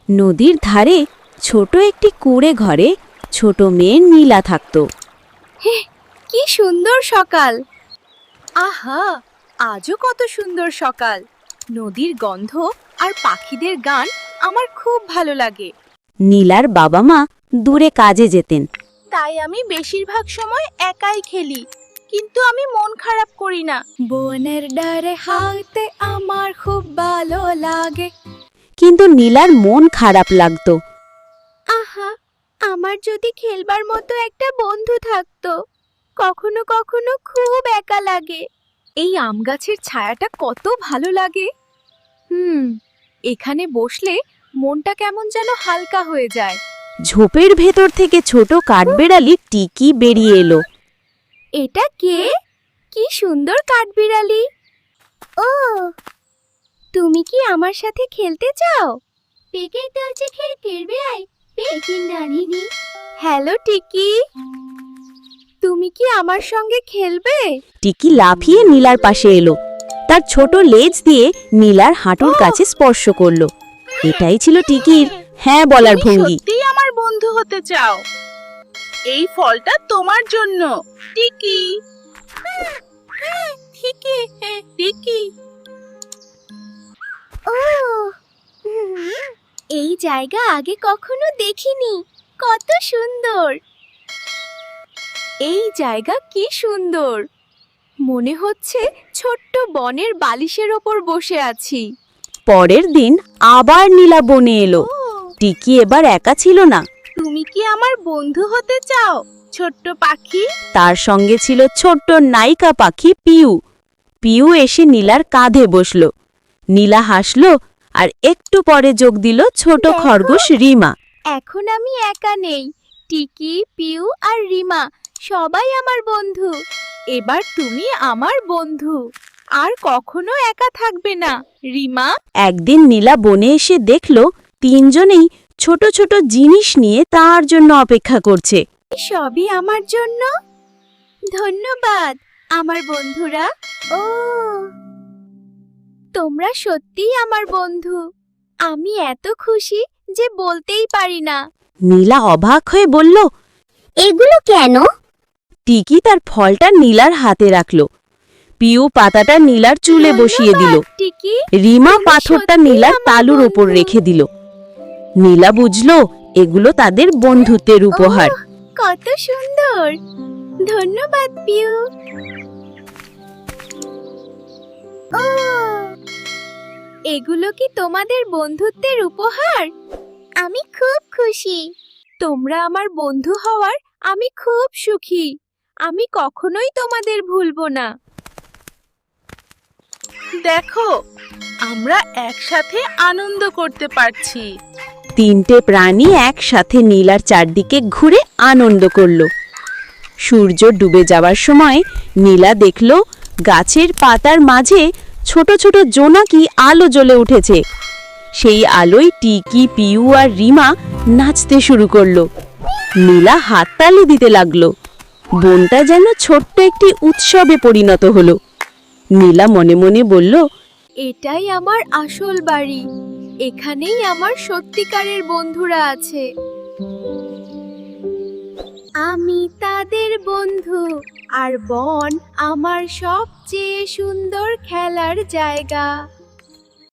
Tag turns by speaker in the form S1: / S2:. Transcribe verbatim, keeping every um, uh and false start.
S1: নদীর ধারে ছোট একটি কুঁড়ে ঘরে ছোট মেয়ে নীলা থাকত।
S2: হে, কি সুন্দর সকাল! আহা, আজও কত সুন্দর সকাল। নদীর গন্ধ আর পাখিদের গান আমার খুব ভালো লাগে।
S1: নীলার বাবা মা দূরে কাজে যেতেন।
S2: তাই আমি বেশিরভাগ সময় একাই খেলি, কিন্তু আমি মন খারাপ করি না। বনের ডারে হাঁটতে আমার খুব ভালো লাগে।
S1: কিন্তু নীলার মন খারাপ লাগতো।
S2: আহা, আমার যদি খেলবার মতো একটা বন্ধু থাকতো। কখনো কখনো খুব একা লাগে। এই আম গাছের ছায়াটা কত ভালো লাগে। হুম, এখানে বসলে মনটা কেমন যেন হালকা হয়ে যায়।
S1: ঝোপের ভেতর থেকে ছোট কাঠবেড়ালি টিকি বেরিয়ে এলো।
S2: এটা কে? কি সুন্দর কাঠবিড়ালি! ও, তুমি কি আমার সাথে খেলতে চাও? পেকে দরজে খেল ফিরবে আই পেকি নানিনি। হ্যালো টিকি, তুমি কি আমার সঙ্গে খেলবে?
S1: টিকি লাফিয়ে নীলার পাশে এলো। তার ছোট লেজ দিয়ে নীলার হাঁটুর কাছে স্পর্শ করলো। এটাই ছিল টিকির হ্যাঁ বলার ভঙ্গি।
S2: সত্যিই আমার বন্ধু হতে চাও? এই ফলটা তোমার জন্য, টিকি। টিকি, টিকি। ও, এই জায়গা আগে কখনো দেখিনি। কত সুন্দর! এই জায়গা কি সুন্দর! মনে হচ্ছে ছোট্ট বনের বালিশের ওপর বসে আছি।
S1: পরের দিন আবার নীলা বনে এলো। টিকি এবার একা ছিল না।
S2: তুমি কি আমার বন্ধু হতে চাও, ছোট্ট পাখি?
S1: তার সঙ্গে ছিল ছোট্ট নায়িকা পাখি পিউ। পিউ এসে নীলার কাঁধে বসলো। নীলা হাসলো আর একটু পরে যোগ দিল ছোট খরগোশ রিমা।
S2: এখন আমি একা নেই। টিকি, পিউ আর রিমা সবাই আমার বন্ধু। এবার তুমি আমার বন্ধু, আর কখনো একা থাকবে না, রিমা।
S1: একদিন নীলা বনে এসে দেখলো তিনজনেই ছোট ছোট জিনিস নিয়ে তার জন্য অপেক্ষা করছে।
S2: সবই আমার জন্য? ধন্যবাদ আমার বন্ধুরা। ও, তোমরা সত্যিই আমার বন্ধু। আমি এত খুশি যে বলতেই পারি না।
S1: নীলা অবাক হয়ে বলল,
S3: এগুলো কেন?
S1: টিকি তার ফলটা নীলার হাতে রাখলো। পিউ পাতাটা নীলার চুলে বসিয়ে দিল।
S2: ধন্যবাদ, টিকি।
S1: রিমা
S2: তুমি
S1: পাথরটা
S2: সত্যিই
S1: নীলার
S2: আমার
S1: তালুর ওপর
S2: বন্ধু।
S1: রেখে দিল। নীলা বুঝলো এগুলো তাদের বন্ধুত্বের উপহার।
S2: ওহ, কত সুন্দর! ধন্যবাদ পিউ। ও, এগুলো কি তোমাদের বন্ধুত্বের উপহার? আমি খুব খুশি। তোমরা আমার বন্ধু হওয়ার আমি খুব সুখী। আমি কখনোই তোমাদের ভুলবো না। দেখো, আমরা একসাথে আনন্দ করতে পারছি।
S1: তিনটে প্রাণী একসাথে নীলার চারদিকে ঘুরে আনন্দ করল। সূর্য ডুবে যাওয়ার সময় নীলা দেখল গাছের পাতার মাঝে ছোট ছোট জোনাকি আলো জ্বলে উঠেছে। সেই আলোয় টিকি, পিউ আর রিমা নাচতে শুরু করলো। নীলা হাততালি দিতে লাগলো। বনটা যেন ছোট্ট একটি উৎসবে পরিণত হলো। নীলা মনে মনে বলল,
S2: এটাই আমার আসল বাড়ি। এখানেই আমার সত্যিকারের বন্ধুরা আছে। আমি তাদের বন্ধু, আর বন আমার সবচেয়ে সুন্দর খেলার জায়গা।